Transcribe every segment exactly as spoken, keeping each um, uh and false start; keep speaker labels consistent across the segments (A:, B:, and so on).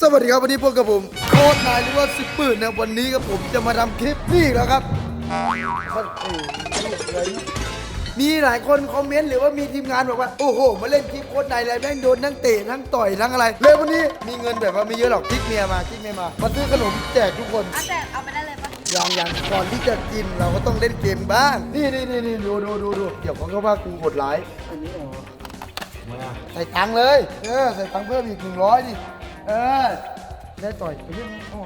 A: สวัสดีครับวันนี้พบกับผมโค้ชนายหรือว่าสิบปืนนะวันนี้กับผมจะมาทำคลิปนี่แล้วครับมีหลายคนคอมเมนต์หรือว่ามีทีมงานบอกว่าโอ้โหมาเล่นคลิปโค้ชนายอะไรแม่งโดนทั้งเตะทั้งต่อยทั้งอะไรเลยวันนี้มีเงินแบบว่าไม่เยอะหรอกทิกเมียมาทิกเมียมามาซื้อขนมแจกทุกคน
B: เอาแจกเอาไปได้เลยปะ
A: อย่างอย่างก่อนที่จะกินเราก็ต้องเล่นเกมบ้างนี่นี่นี่นี่ดูดูดูดูเดี๋ยวเขาก็ว่ากูโหดร้ายอันนี้อ๋อใส่ตังค์เลยเออใส่ตังค์เพิ่มอีกหนึ่งร้อยดิเออได้ต่อยไปเรื่องนี้อ๋อ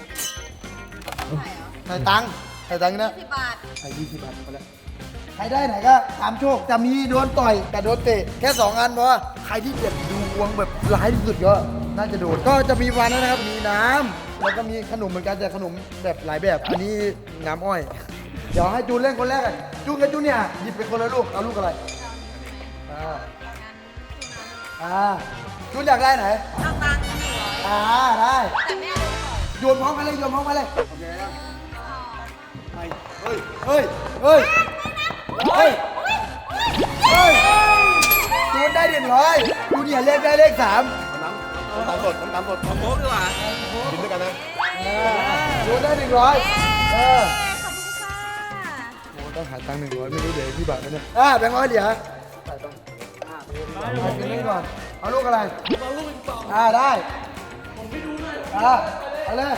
A: ใส่ตังค์ใส่ตังค์นะ
B: สิบบาท
A: ใส่ยี่สิบบาทไปแล้วใครได้ไหนก็ตามโชคจะมีโดนต่อยกับโดนเตะแค่สองอันเพราะว่าใครที่เจ็บดูวงแบบร้ายที่สุดก็น่าจะโดนก็จะมีวันนั้นนะครับมีน้ำแล้วก็มีขนมเหมือนกันแต่ขนมแบบหลายแบบอันนี้น้ำอ้อยเดี๋ยวให้จูนเล่นคนแรกอ่ะจูนกับจูนเนี่ยหยิบไปคนละลูกเอาลูกอะไรอ่าอ่าจูนอยากได้ไหน
B: เอาตังค์หนึ่งร้อย
A: อ่าได้
B: แต่ไม่เอาของ
A: โยนพร้อมกันเลยโยนพร้อมกันเลยโอเคนะเฮ้ยเฮ้ยเฮ้ยเฮ้ยเฮ้ยจูนได้หนึ่งร้อยจูนเนี่ยเลขได้เลขสาม
C: น้ำตาลสดน้ำตาลสดน้ำโค้กดีกว่ากินด้วยกันนะ
A: จูนได้หนึ่งร้อยเออ
B: ขอบคุณค่ะ
A: โอ้ต้องหาตังค์หนึ่งร้อยไม่รู้เดี๋ยวพี่บัตรนะเนี่ยอ่าแบงค์ร้อยเดี๋ยวใส่ไปอ่าไปกินนี่ก่อนเอาลูกอะไรเอาลูกเป็นสองอ่าได้ผมไม่ดูเลยอ่าเอาเลย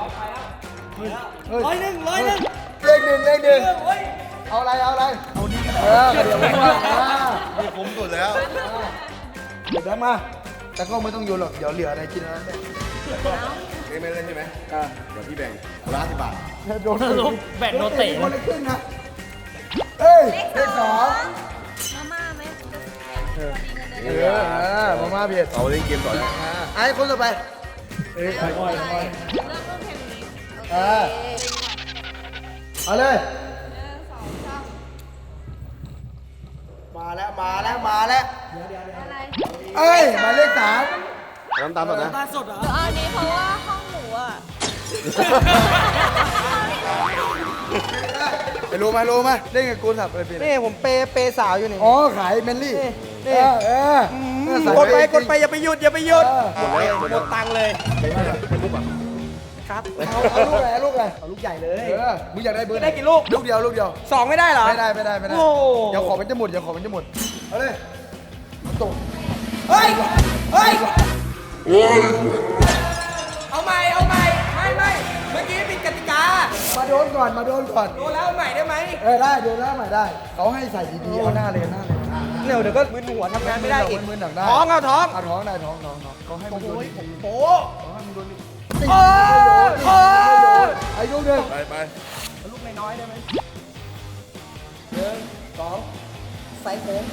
A: ร้อยหนึ่งร้อยหนึ่งเลขหนึ่งเลขหนึ่งเอาอะไรเอาอะไรเอานี่ก็ได้เออเดี๋ยวผมว่าอ่า
C: นี่คุ้มสุดแล้ว
A: เดี๋ยวแบงค์มาแต่ก็ไม่ต้องโยนหรอกเดี๋ยวเหลืออะไรกินแล้วเนี่ย
C: เอ้ไม่เล่นใช่ไหม
A: อ่า
C: เดี๋ยวพี่แบ่งคนละห้าสิบบาท
A: โดนลูก
D: แบ่งโดนเตะ
A: คนละครึ่งนะเอ้ยเลขสอง
B: มาม่าไหม
A: เออ
B: พอดี
A: เอ
B: เงินเดือน
A: อเออมาม่าเบียด
C: เอาเล่นเกมต่อเลย
A: อ่าไอ้คนต่อไปเอ้ยไปก่อนไปก่อน
B: เริ่มต้นเพลงนี้
A: เออเอาเลย
B: หนึ่งสองสาม
A: มาแล้วมาแล้วมาแล้ว
B: อะไร
A: เอ้ยหมายเลขสาม
C: น้ำตาลสดนะ
D: ตาสดเหรอ
B: เดี๋ยวเอาอันนี้เพราะว่าห้องหนูอ่ะ
A: ไปรู้ไหมรู้ไหมเล่นกับกูสับอะไรเป็น
D: นี่ผมเปย์เปย์สาวอยู่นี่
A: อ๋อขายเมนลี่
D: นี่
A: เออเออเออใส่
D: กดไป
A: ว้
D: กดไปอย่าไปหยุดอย่าไปหยุด
A: เออ
D: หมดเลยหมดตังค์เลย ครับ
A: เอาเอาลูกอะไรเอาลูกอะไร
D: เอาลูกใหญ่เลย
A: เออมึงอยากได้เบอร์หน
D: ได้กี่ลูก
A: ลูกเดียวลูกเดียว
D: สองไม่ได้เหรอ
A: ไม่ได้ไม่ได้ไม่ได้
D: โอ้
A: เดี๋ยวขอมันจะหมดเดี๋ยวขอมันจะหมดเอาเลยเอาตก
D: เฮ้ยเฮ้ยเอาใหม่เอาใหม่ไม่ไม่เมื่อกี้ผิดกติกา
A: มาโดนก่อนมาโดนก่อน
D: โดนแล้วเอาใหม่ได้ไหม
A: เออได้โดนแล้วใหม่ได้เขาให้ใส่ดีๆเอาหน้าเลยหน้าเลย
D: เดี๋ยวเดี๋ยวก็มึนหัวทำงานไม่ได้อีก
A: มึนๆหนักได้
D: ท้องเอาท้อง
A: เอาท้องได้ท้องท้องท้องเขาให้มึงโดน
D: โอ้
A: เขาให้มึงโดน
D: โอ้โอ้
A: ไอ้ลูกหนึ่ง
C: ไปไป
D: ลูกน้อยๆได้ไหม
A: หนึ่งสอง
D: ใส่โค้ง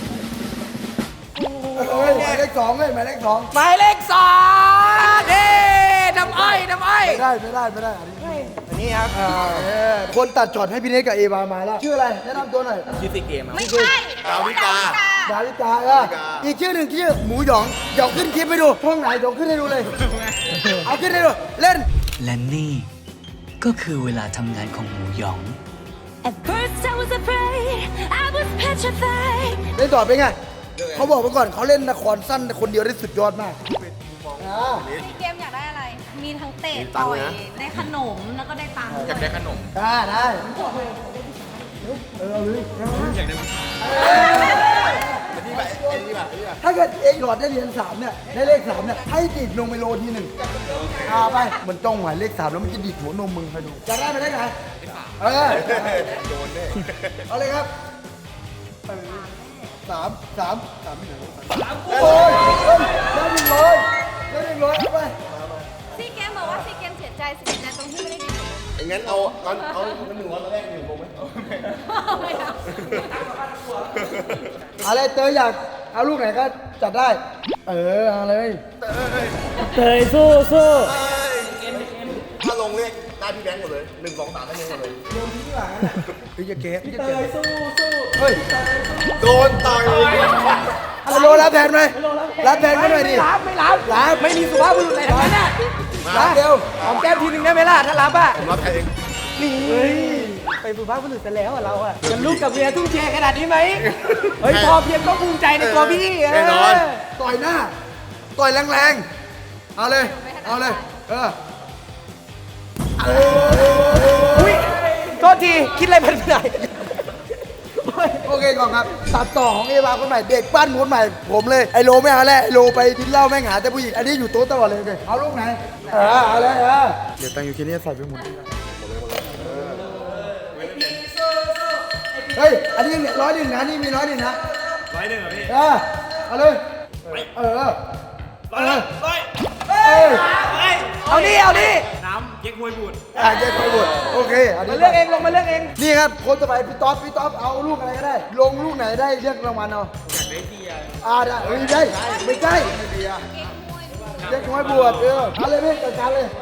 A: เอ้ยหมายเลขสองเลยหมายเลขสอง
D: หมายเลขสองเด้น้ำอ้อยน้ำอ้อย
A: ไม่ได้ไม่ได้ไม่ได้อันนี้
D: อันนี้ครับ
A: อ่าเออคนตัดช็อตให้พี่เนกกับเอวามาแล้วชื่ออะไรแนะนำตัวหน่อย
D: ยูสิเกมครับ
B: ไม่ใช่
C: ดาวิกา
A: ดาวิกาเอออีกชื่อหนึ่งชื่อหมูหยองเดี๋ยวขึ้นคลิปให้ดูช่องไหนเดี๋ยวขึ้นให้ดูเลย เอาขึ้นให้ดูเล่น
E: และนี่ก็คือเวลาทำงานของหมูหยอง
F: At first I was afraid, I was petrified.
A: เล่นต่อเป็นไงเขาบอกมาก่อนเขาเล่นละครสั้นคนเดียวได้สุดยอดมากอ่า
B: พี่เกมอยากได้อะไร มีทั้งเตะต่อยได้ขนมแล้วก็ได้ตังค์
C: อยากได้ขนม
A: ได้ได้เออเอาเลย
C: อยากได้ไปที่ไปไอ้นี่แบบนี่แบบ
A: ถ้าเกิดเองหลอดได้เหรียญสามเนี่ยได้เลขสามเนี่ยให้ติดนมไมโลทีหนึ่งเอาไปมันจ้องหมายเลขสามแล้วมันจะดิดหัวนมมึงไปดูจะได้ไหมได้ไงเออ
C: โดนแน่
A: เอาเลยครับสามสามสามหนึ่งสามโอ้ยได้หนึ่งร้อยได้หนึ่งร้อยเอาไป
B: พี่เกมบอกว่าพี่เกมเสียใจเสียใจตรงที่ไม่ได้กินขนม
C: ไอ้งั้นเอาเอาเอาหนึ่งร้อยตอนแรกหนึ่งผมไหม
B: ไม่เอา
A: อะไรเตยอยากเอาลูกไหนก็จัดได้ เออเอาเลย
D: เตยสู้สู้
C: ถ้าลงเลขได้พี่แบงค์หมดเลยหนึ่งสองสามได้เงินหมดเลย
A: พี่จะเก็บพี่จะ
D: เต
A: เก็บ
D: ยสู้สู้
A: เฮ้ย
C: โดนต่อย
A: ฮัลโหลรับแทนไหมรับแทนก็หน่อยดิ
D: ไม่รับไม่รับ
A: รับ
D: ไม่มีสุภาพบุรุษอะไรทั้งนั้นน่ะ
A: รับเร็ว
D: หอมแก้มทีนึงได้ไหมล่ะถ้ารับอ่ะ
C: ผมรับแทนเอง
D: นี่ไปสุภาพบุรุษกันแล้วอะเราอะจะลูกกับเมียทุ่งเทขนาดนี้ไหมเฮ้ยพอเพียงก็ภูมิใจในตัวพี่
C: แน่นอน
A: ต่อยหน้า ต่อยแรงๆ เอาเลย
B: ไม่ให้
A: เอาเลยเออ
D: อุ้ยโทษทีคิดอะไรเป็นไร
A: โอเคก่อนครับตัดต่อของเอวาคนใหม่เด็กปั้นคนใหม่ผมเลยไอโลไม่เอาแล้วไอโลไปกินเหล้าแม่งหาแต่ผู้หญิงอันนี้อยู่โต๊ะตลอดเลยเลยเอาลูกไหนเออเอาเลยเออเดี๋ยวตังอยู่แค่นี้ใส่ไปหมดเฮ้ยอันนี้ร้อยหนึ่งนะนี่มีร้อยหนึ่งนะร้อยหนึ่งเหรอพี่เออเอาเลยเออร้อยร้อยเอ้ย
D: เอาดิเอาดิ
A: อ่ะเจ๊คอยบดโอเคอัน
D: มา
A: นี้
D: เลือกเองลงมาเลือกเอง
A: นี่ครับคนต่อไปพี่ต๊อปพี่ต๊อปเอาลูกอะไรก็ได้ ลงลูกไหนได้เลือกรางวัลเอาอยากได้เบียร์อ่าได้เฮ้ยได้ไม่ใช่เจ๊คอยบวชเออเอาเลยพี่จัดการเลย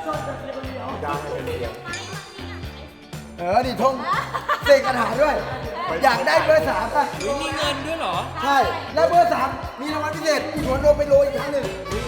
A: เออนี่ทงเสกคาถาด้วย อยากได้เบอร์สามป่ะมีเงินด้วยเหรอใช่แล้วเบอร์สามมีรางวัลพิเศษอีกหัวโดนไปโรยอีกครั้งหนึ่ง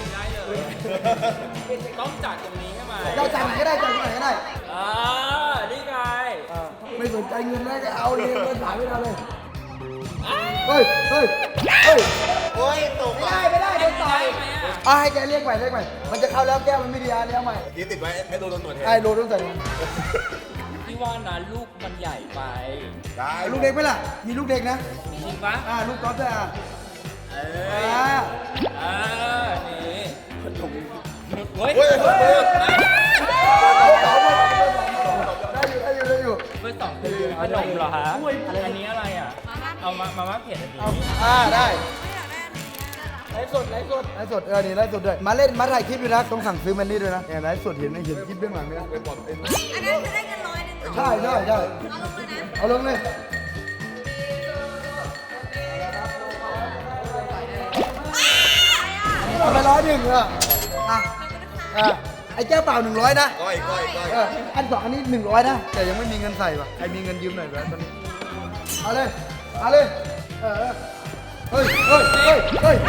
G: ต้องจัดตรงนี้ใช่ไหม
A: เราจ่ายไหนก็ได้จ่ายไหนก็ได้
G: อ่านี่ไง
A: ไม่สนใจเงินแล้วก็เอาเลยเงินถ่ายไม่ได้เลยเฮ้ยเฮ้ยเฮ้ย
C: โอ้ยตก
A: ไม่
C: อ่ะ
A: ได้ไม่ได้โดนต่อยอ่ะให้แกเรียกใหม่เรียกใหม่มันจะเข้าแล้วแก้วมันไม่ดีอ่ะเรียกใหม่
C: ยี่ติดไว้ให้โดนโดนหนวดแทน
A: ไอ้โลต้องใส่
G: พี่ว่านะลูกมันใหญ่ไป
C: ได้
A: ลูกเด็กไหมล่ะมีลูกเด็กนะ
G: จริงปะ
A: อ่าลูกก๊อฟด้วยอ่ะ
G: เอ้ย
A: อ่า
G: อ่านี่เฮ้ย
C: เฮ้ยเฮ้ยเฮ้ย
A: ได้อยู่ได้อยู่ได้อยู่
G: เบอร์สองคือขนมเหรอฮะอันนี้อะไรอ่ะ เอามามาม่าเผ็ดอันนี้
A: อ่าได้ไลฟ์สดไลฟ์สดไลฟ์สดเออนี่ไลฟ์สดด้วยมาเล่นมาถ่ายคลิปด้วยนะต้องสั่งซื้อมันนี่ด้วยนะเนี่ยไลฟ์สดเห็นไหมเห็นคลิปเบื้องหลังไหมนะ
B: อันนั้นจะได้เงินร้อยหนึ่งเหรอ
A: ใช่ใช่ใช่
B: เอาลงเลยนะ
A: เอาเลยเอาไปร้อยหนึ่งเอออ่ะอ่ะไอ้แก้วเปล่าหนึ่งร้อยนะ
C: ก้อยก้อยก้อย
A: เอออันสองอันนี้หนึ่งร้อยนะแต่ยังไม่มีเงินใส่ป่ะใครมีเงินยืมหน่อยแบบตอนนี้เอาเลยเอาเลยเออเออเฮ้ยเฮ้ยเฮ้ยเฮ้ย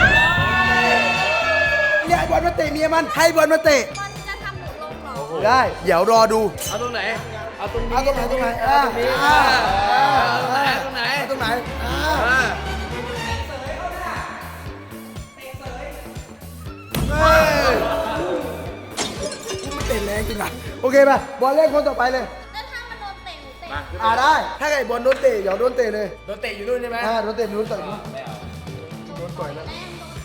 A: เนี่ยไอ้บอลมาเตะเมียมันให้บอลมาเตะ
B: มันจะทำหนูลงเหรอ
A: ได้เดี๋ยวรอดู
G: เอาตรงไหน เอาตรงนี้
A: เอาตรงไหนตรงไหนอ่าอ่าอ่า
G: ตรงไหน
A: ตรงไหนอ่าเฮ้ยมันเตะแรงจริงอ่ะโอเคป่ะบอลเล่นคนต่อไปเลย
B: แล้วถ้ามันโดนเตะหนูเตะ
A: อ่าได้ ถ้าไก่บอลโดนเตะเดี๋ยวโดนเตะเลย
G: โดนเตะอยู่นู่นใช่ไหม
A: อ่าโดนเตะโดนต่อยนู้นโดนต่อยแล้ว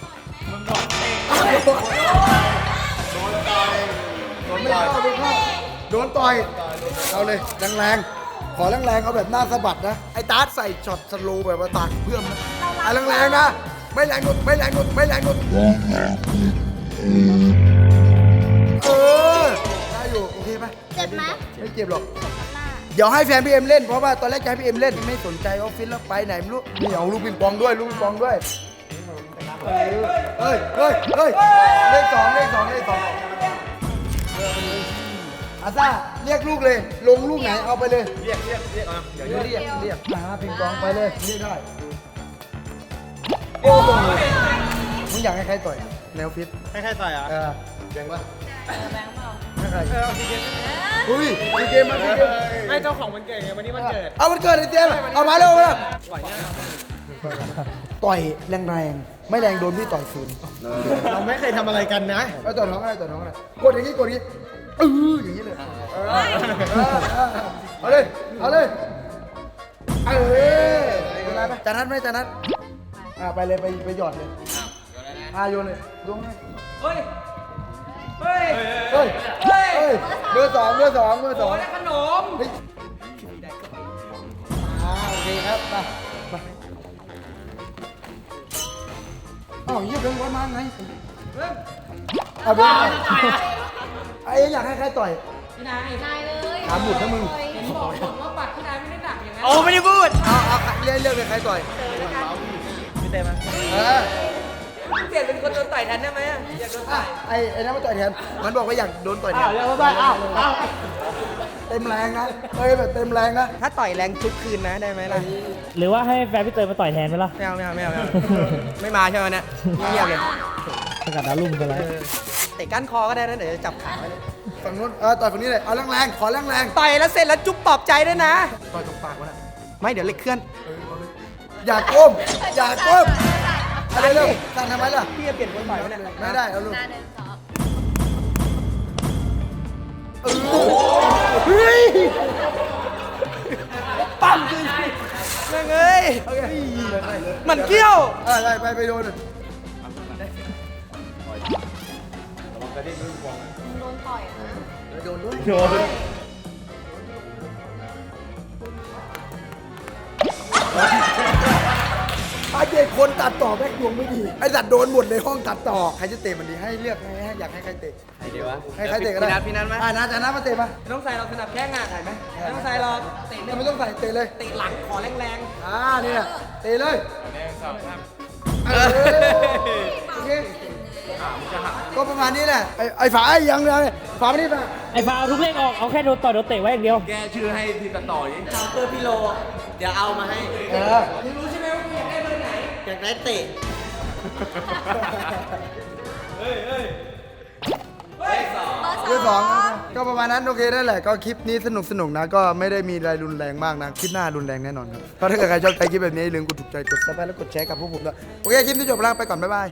A: โดนต่อยโดนต่อยโดนต่อยเอาเลยแรงๆขอแรงๆเอาแบบหน้าสะบัดนะไอ้ตาร์ทใส่ช็อตสโลว์แบบว่าตากเพื่อมนะอ่ะแรงๆนะไม่แรงกดไม่แรงกดไม่แรงกดเออได้อยู่โอเคป่ะ
B: เจ็บไหม
A: ไม่เจ็บหรอก
B: สมน้ำหน้า
A: เดี๋ยวให้แฟนพี่เอ็มเล่นเพราะว่าตอนแรกจะให้พี่เอ็มเล่นไม่สนใจออฟฟิศแล้วไปไหนไม่รู้นี่เอาลูกปิงปองด้วยลูกปิงปองด้วยเฮ้ยเฮ้ยเฮ้ยเฮ้ยเลขสองเลขสองเลขสองอาซ่าเรียกลูกเลย ลงลูกไหนเอาไปเลย
C: เรียกเรียกเรียกอ่ะ
A: เดี๋ยวเรียกเรียกมาปิงปองไปเลยนี่ได้โอ้โหมึงอยากให้ใครต่อยในออฟฟิศ
C: ให้ใครใส่อ่ะ
A: เออ
C: แดงปะ
B: แบงค์เปล่า
A: ให้ใครอุ้ยมีเกมมามีเกม
G: ให้เจ้าของมันเกิดไงวันนี้มันเกิด
A: เอามันเกิดไอ้เจมส์เอามาเร็วมาต่อยแรงๆ ไม่แรงโดนพี่ต่อยคืน
C: เราไม่เคยทำอะไรกันนะ
A: เอาต่อยน้องอะไรต่อยน้องอะไรกดอย่างนี้กดอย่างนี้เอออย่างนี้เลยเออเออเอาเลยเอาเลยเออเป็นไรไหมจานัดไหมจานัดอ่าไปเลยไปไปหยอดเลยอ่าโยนเลยลงให้
D: เฮ้ย เฮ้ย
A: เฮ้ยเฮ้ยเบอร์สองเบอร์สองเบอร์สอง
D: ได้ขนม
A: เฮ้ยอ่าโอเคครับมามาอ้าวเยี่ยมเป็นวันมาไงเอาเบอร์มาไอ้อยากให้ใครต่อย
D: พี่นาย
B: นายเลย
A: ถามหมุดนะมึง
D: เห็นบอกผมว่าปัดพี่นายไม่ได้หนักอย่างนั้น
G: โอ้ไม่ได้พูด
A: เอาเอาเลือกเลือกเลยใครต่อย
G: พี่เต้มา
A: เออ
D: เปลี่ยนเป็นคนโดนต่อยแทนได้ไหมอะอยากโดนต่อย
A: ไอ้ไอ้นั่นมาต่อยแทนมันบอกว่าอยากโดนต่อยแท
G: อ้าวน เรียกว่าได้อ้าวอ้าว
A: เต็มแรงนะเอ้ยแบบเต็มแรงนะ
D: ถ้าต่อยแรงทุกคืนนะได้ไหมล่ะ
G: หรือว่าให้แฟนพี่เตยมาต่อยแทนไหมล่ะ
D: ไม่เอาไม่เอาไม่เอาไม่เอาไม่มาใช่ไหมเนี่ยเงียบเลย
G: สกัดดาวรุ่งกันแล้ว
D: เตะก้านคอก็ได้นะเดี๋ยวจะจับขาไว้เลย
A: ฝั่งนู้นเออต่อยฝั่งนี้เลยเอาแรงๆขอแรง
D: ต่อยแล้วเสร็จแล้วจุ๊บปลอบใจด้วยนะ
A: ๆต่อยตรงปากวะน่ะ
D: ไม่เดี๋ยวเล็กเคลื่อน
A: อย่าก้มอย่าก้มอะไรเร็วสั่งทำไมล่ะ
D: พี่จะเปลี่ยนคนต่อยไหมเนี่ย
A: ไม่ได้เอาลูก
B: หน้าเดินสอบ
A: เออเฮ้ย
D: ปั๊มคือยังไงมันเกี้ยว
A: อ่ะไปไปไปโดน
B: โดนต่อยนะ
A: โดนด้วย
G: โดน
A: ไอ้เด็กคนตัดต่อแม่งดวงไม่ดีไอ้สัตว์โดนหมดในห้องตัดต่อใครจะเตะมันดีให้เลือกให้ให้อยากให้ใครเตะ
D: ใครดีวะ
A: ให้ใครเตะก็ได้
D: พี่นัทพี่นัทไหม
A: อ่านัทจะนัทมาเตะมา
D: ไม่ต้องใส่เราสนับแข้งอ่ะใส่ไหมไม่ต้องใส่หรอกเตะ
A: ไม่ต้องใส่เตะเลย
D: เตะหลังขอแรง
A: อ่านี่น่ะเตะเลย
G: หนึ่งสองสาม
A: เออโอเคก็ประมาณนี้แหละไอ้ไอ้ฝาไอ้ยังเลยฝาไม่ได้ป่ะ
G: ไอ้ฟ้าเอาทุกเลขออก เอาแค่โดนต่อยโดนเตะไว้อย่างเดียว
C: แกชื่อให้ทีมตัดต่อนี้
D: ๆชาวเตอร์พิโล เดี๋ยวเอามาให้
A: เออ
D: มึงรู้ใช่ไหมว่ากูอยากได้เบอร์ไหน อยากได้เตะ
A: เรื่องสองก็ประมาณนั้นโอเคได้แหละก็คลิปนี้สนุกสนุกนะก็ไม่ได้มีอะไรรุนแรงมากนะคลิปหน้ารุนแรงแน่นอนครับก็ถ้าเกิดใครชอบใจคลิปแบบนี้อย่าลืมกดถูกใจกดซับสไครต์แล้วกดแชร์กับพวกผมด้วยโอเคคลิปนี้จบแล้วไปก่อนบ๊ายบาย